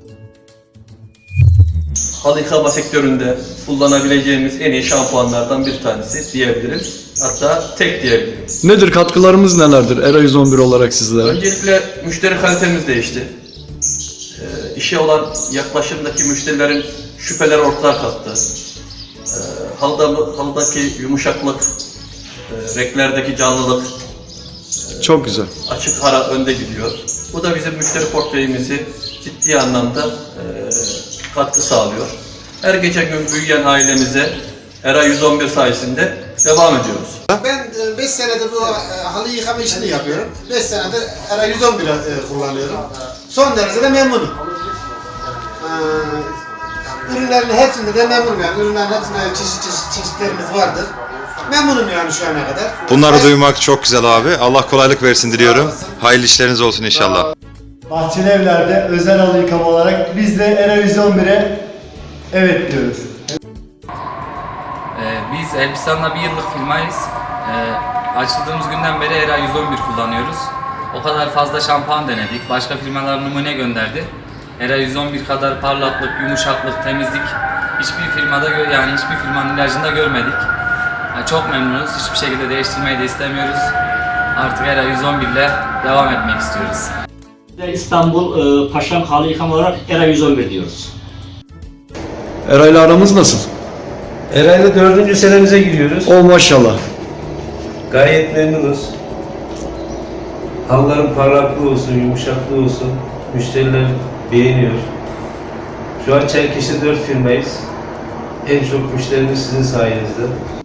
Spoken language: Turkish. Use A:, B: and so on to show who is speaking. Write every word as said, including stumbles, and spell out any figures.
A: Halı yıkama sektöründe kullanabileceğimiz en iyi şampuanlardan bir tanesi diyebilirim. Hatta tek diyebilirim.
B: Nedir, katkılarımız nelerdir Era yüz on bir olarak sizlere?
A: Öncelikle müşteri kalitemiz değişti. E, işe olan yaklaşımdaki müşterilerin şüpheleri ortadan kalktı. E, halıda, halıdaki yumuşaklık, e, renklerdeki canlılık,
B: Çok güzel.
A: açık ara önde gidiyor. Bu da bizim müşteri portföyümüzü ciddi anlamda e, katkı sağlıyor. Her geçen gün büyüyen ailemize Era yüz on bir sayesinde devam ediyoruz.
C: Ben beş senedir bu e, halı yıkama işini yapıyorum. beş senedir Era yüz on bir e, kullanıyorum. Son derece de memnunum. Ee, ürünlerin hepsinde de memnunum yani. Ürünlerin hepsinde çeşit çeşit çeşitlerimiz vardır. Memnunum yani şu ana kadar.
D: Bunları
C: Ben,
D: duymak çok güzel abi. Allah kolaylık versin diliyorum. Hayırlı işleriniz olsun inşallah.
E: Bahçeli Evler'de özel halı yıkama olarak biz de Era yüz on bire evet diyoruz.
F: Ee, biz Elbistan'la bir yıllık firmayız. Ee, açıldığımız günden beri Era yüz on bir kullanıyoruz. O kadar fazla şampuan denedik. Başka firmalar numune gönderdi. Era yüz on bir kadar parlaklık, yumuşaklık, temizlik hiçbir firmada yani hiçbir firmanın ilacında görmedik. Yani çok memnunuz. Hiçbir şekilde değiştirmeyi de istemiyoruz. Artık Era yüz on bir ile devam etmek istiyoruz.
G: İstanbul e, Paşam Halı Yıkama olarak Era yüz on bir diyoruz.
B: Era ile aramız nasıl?
H: Herhalde dördüncü senemize giriyoruz.
B: O maşallah.
H: Gayet memnunuz. Halıların parlaklığı olsun, yumuşaklığı olsun. Müşteriler beğeniyor. Şu an Çerkeş'te dört firmayız. En çok müşterimiz sizin sayenizde.